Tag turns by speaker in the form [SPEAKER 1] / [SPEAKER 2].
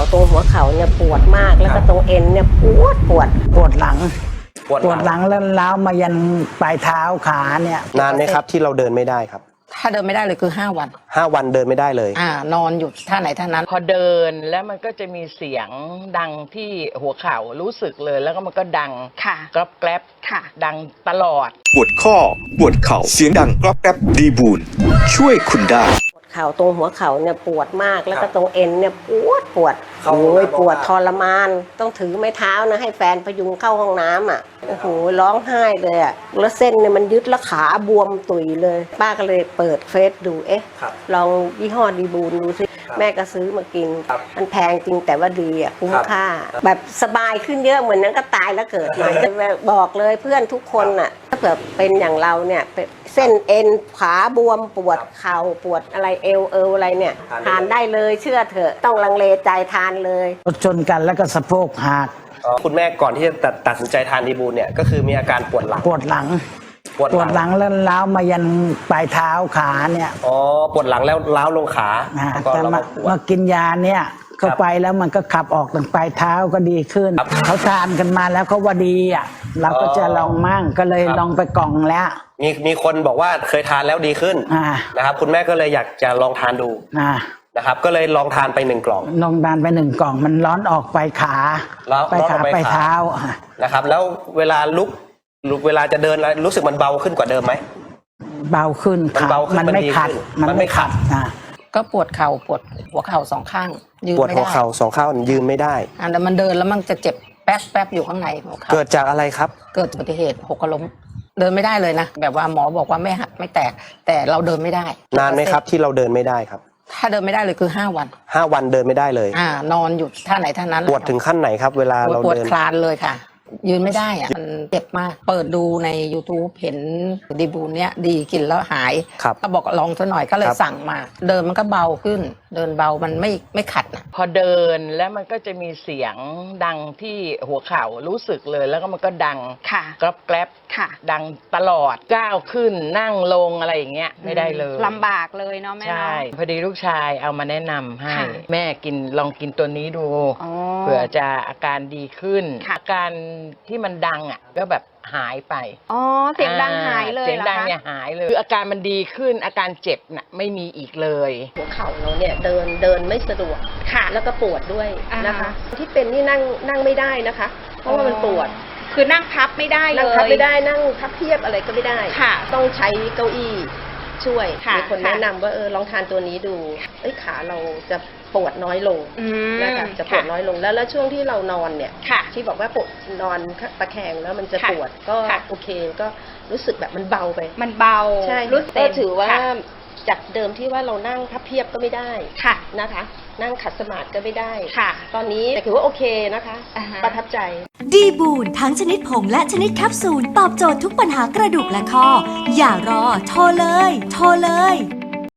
[SPEAKER 1] ตรงหัวเข่าเนี่ยปวดมากแล้วก็ตรงเอ็นเนี่ยปวดหลังแล้วล้าวมายันปลายเท้าขาเนี่ย
[SPEAKER 2] นานไหมครับที่เราเดินไม่ได้ครับ
[SPEAKER 3] ถ้าเดินไม่ได้เลยคือ5 วัน
[SPEAKER 2] 5 วันเดินไม่ได้เลย
[SPEAKER 3] นอนอยู่ท่าไหนท่านั้น
[SPEAKER 4] พอเดินแล้วมันก็จะมีเสียงดังที่หัวเข่ารู้สึกเลยแล้วก็มันก็ดังกรอบแกรบดังตลอด
[SPEAKER 5] ปวดข้อปวดเข่าเสียงดังกรอบแกรบดีบูนช่วยคุณได้
[SPEAKER 1] เข่าตรงหัวเข่าเนี่ยปวดมากแล้วก็ตรงเอ็นเนี่ยปวดโอ้ยปวดทรมานต้องถือไม้เท้านะให้แฟนพยุงเข้าห้องน้ำอ่ะโอ้โหร้องไห้เลยอ่ะแล้วเส้นเนี่ยมันยึดแล้วขาบวมตุยเลยป้าก็เลยเปิดเฟซดูลองยี่ห้อดีบูนดูสิแม่ก็ซื้อมากินมันแพงจริงแต่ว่าดีอ่ะคุ้มค่าแบบสบายขึ้นเยอะเหมือนนั้นก็ตายแล้วเกิดใหม่บอกเลยเพื่อนทุกคนอ่ะถ้าเกิดเป็นอย่างเราเนี่ยเส้นเอ็นขาบวมปวดเข่าปวดอะไรเอวอะไรเนี่ยทานได้เลยเชื่อเถอะต้องลังเลใจทานเลยชนกันแล้วก็สะโพกหัก
[SPEAKER 2] คุณแม่ก่อนที่จะตัดสินใจทานดีบูนเนี่ยก็คือมีอาการปวดหลัง
[SPEAKER 1] แล้วล้าวมายันปลายเท้าขาเนี่ย
[SPEAKER 2] ปวดหลังแล้วล้าวลงขา
[SPEAKER 1] แต่มากินยาเนี่ยเข้าไปแล้วมันก็ขับออกตั้งปลายเท้าก็ดีขึ้นเขาทานกันมาแล้วเขาว่าดีอ่ะเราก็จะลองมั่งก็เลยลองไปกล่องแล้ว
[SPEAKER 2] มีคนบอกว่าเคยทานแล้วดีขึ้นนะครับคุณแม่ก็เลยอยากจะลองทานดูนะครับก็เลยลองทานไป1 กล่อง
[SPEAKER 1] ลองทานไป1 กล่องมันร้อนออกไปขาไปเท้า
[SPEAKER 2] นะครับแล้วเวลาลุกเวลาจะเดินรู้สึกมันเบาขึ้นกว่าเดิมไหม
[SPEAKER 1] เบาขึ้นมันไม่ขัด
[SPEAKER 3] ก็ปวดเข่าปวดหัวเข่า2 ข้างยืนไม่ได้
[SPEAKER 2] ปวดหัวเข่า2 ข้างยืนไม่ได้
[SPEAKER 3] แต่มันเดินแล้วมันจะเจ็บแป๊บอยู่ข้างในหัวเข่า
[SPEAKER 2] เกิดจากอะไรครับ
[SPEAKER 3] เกิดอุบัติเหตุหกล้มเดินไม่ได้เลยนะแบบว่าหมอบอกว่าไม่หักไม่แตกแต่เราเดินไม่ได้
[SPEAKER 2] นานไหมครับที่เราเดินไม่ได้ครับ
[SPEAKER 3] ถ้าเดินไม่ได้เลยคือ5 วัน
[SPEAKER 2] 5 วันเดินไม่ได้เลย
[SPEAKER 3] นอนอยู่ท่าไหนท่านั้น
[SPEAKER 2] ปวดถึงขั้นไหนครับเวลาเราเดิน
[SPEAKER 3] ปวดคลานเลยค่ะยืนไม่ได้อะมันเจ็บมากเปิดดูใน YouTube เห็นดีบูนเนี้ยดีกินแล้วหายก็บอกลองซะหน่อยก็เลยสั่งมาเดินมันก็เบาขึ้นเดินเบามันไม่ขัดนะ
[SPEAKER 4] พอเดินแล้วมันก็จะมีเสียงดังที่หัวเข่ารู้สึกเลยแล้วก็มันก็ดังกรอบแกรบดังตลอดก้าวขึ้นนั่งลงอะไรอย่างเงี้ยไม่ได้เลย
[SPEAKER 6] ลำบากเลยเนาะแม่
[SPEAKER 4] ใช่พอดีลูกชายเอามาแนะนำให้แม่ลองกินตัวนี้ดูเผื่อจะอาการดีขึ้นอาการที่มันดังอ่ะก็แบบหายไป
[SPEAKER 6] เสียงดังหายเลย
[SPEAKER 4] เสียงดังเนี่ยหายเลยคืออาการมันดีขึ้นอาการเจ็บน่ะไม่มีอีกเลย
[SPEAKER 1] หัวเข่าเราเนี่ยเดินไม่สะดวกแล้วก็ปวดด้วยนะคะที่เป็นนี่นั่งไม่ได้นะคะเพราะว่ามันปวด
[SPEAKER 6] คือนั่งพับไม่ได้เลย
[SPEAKER 1] นั่งพับไม่ได้นั่งพับเพียบอะไรก็ไม่ได้ต้องใช้เก้าอี้ช่วยมีคนแนะนำว่าลองทานตัวนี้ดูขาเราจะปวดน้อยลงนะคะจะปวดน้อยลงแล้วช่วงที่เรานอนเนี่ยที่บอกว่าปวดนอนตะแคงแล้วมันจะปวดก็โอเคก็รู้สึกแบบมันเบาไป
[SPEAKER 6] มันเบา
[SPEAKER 1] ใช่ก็ถือว่าจากเดิมที่ว่าเรานั่งพับเพียบก็ไม่ได้นะคะนั่งขัดสมาธิก็ไม่ได้ตอนนี้แต่ถือว่าโอเคนะคะประทับใจ
[SPEAKER 7] ดีบูนทั้งชนิดผงและชนิดแคปซูลตอบโจทย์ทุกปัญหากระดูกและข้ออย่ารอโทรเลย